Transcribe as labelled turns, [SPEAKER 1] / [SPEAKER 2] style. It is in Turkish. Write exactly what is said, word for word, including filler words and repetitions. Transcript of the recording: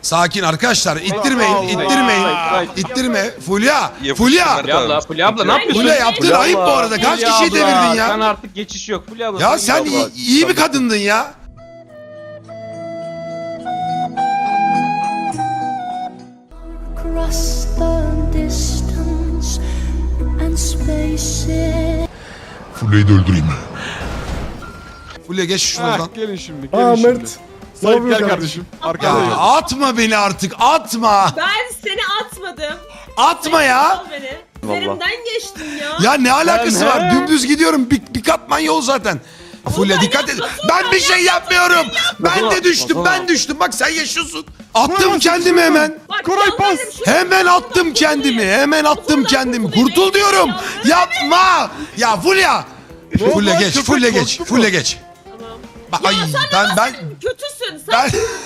[SPEAKER 1] Sakin arkadaşlar, ittirmeyin, ittirmeyin, ittirme. Fulya, Fulya.
[SPEAKER 2] Fulya abla, Fulya abla ne yapıyorsun?
[SPEAKER 1] Fulya yaptın ayıp bu arada. Kaç
[SPEAKER 2] Fulya
[SPEAKER 1] kişiyi
[SPEAKER 2] abla,
[SPEAKER 1] devirdin ya?
[SPEAKER 2] Sen artık geçiş yok Fulya abla.
[SPEAKER 1] Ya
[SPEAKER 2] Fulya
[SPEAKER 1] sen
[SPEAKER 2] abla.
[SPEAKER 1] iyi, iyi bir kadındın ya.
[SPEAKER 3] Across the distance and spaces.
[SPEAKER 1] Fulya'yı da öldüreyim. Fulya geç şuradan.
[SPEAKER 4] Heh, gelin şimdi, gelin
[SPEAKER 5] Aa
[SPEAKER 4] şimdi.
[SPEAKER 5] Mert. Ne
[SPEAKER 4] Sait gel
[SPEAKER 5] yapıyorsun
[SPEAKER 4] kardeşim.
[SPEAKER 1] Ya
[SPEAKER 4] Arkadayım.
[SPEAKER 1] atma beni artık, atma.
[SPEAKER 6] Ben seni atmadım.
[SPEAKER 1] Atma ya.
[SPEAKER 6] Al beni. Üzerimden geçtin ya.
[SPEAKER 1] Ya ne alakası
[SPEAKER 4] Ben
[SPEAKER 1] var?
[SPEAKER 4] he?
[SPEAKER 1] Dümdüz gidiyorum. Bir, bir katman yol zaten. Fulya dikkat et. Ben bir şey yapmıyorum. Ben de düştüm. Ben düştüm. Bak sen yaşıyorsun. Attım kendimi hemen.
[SPEAKER 6] Bak,
[SPEAKER 4] Koray,
[SPEAKER 6] yalvarırım,
[SPEAKER 4] pas.
[SPEAKER 6] şu-
[SPEAKER 1] Hemen attım kendimi. Hemen attım kendimi. Kurtul diyorum. Yapma. Ya Fulya. Fulya
[SPEAKER 4] oldu?
[SPEAKER 1] geç.
[SPEAKER 4] Köpek
[SPEAKER 1] Fulya geç.
[SPEAKER 4] korktu mu?
[SPEAKER 1] Fulya geç.
[SPEAKER 6] Tamam.
[SPEAKER 1] Bak, ay ben ben
[SPEAKER 6] Kötüsün sen.
[SPEAKER 1] ben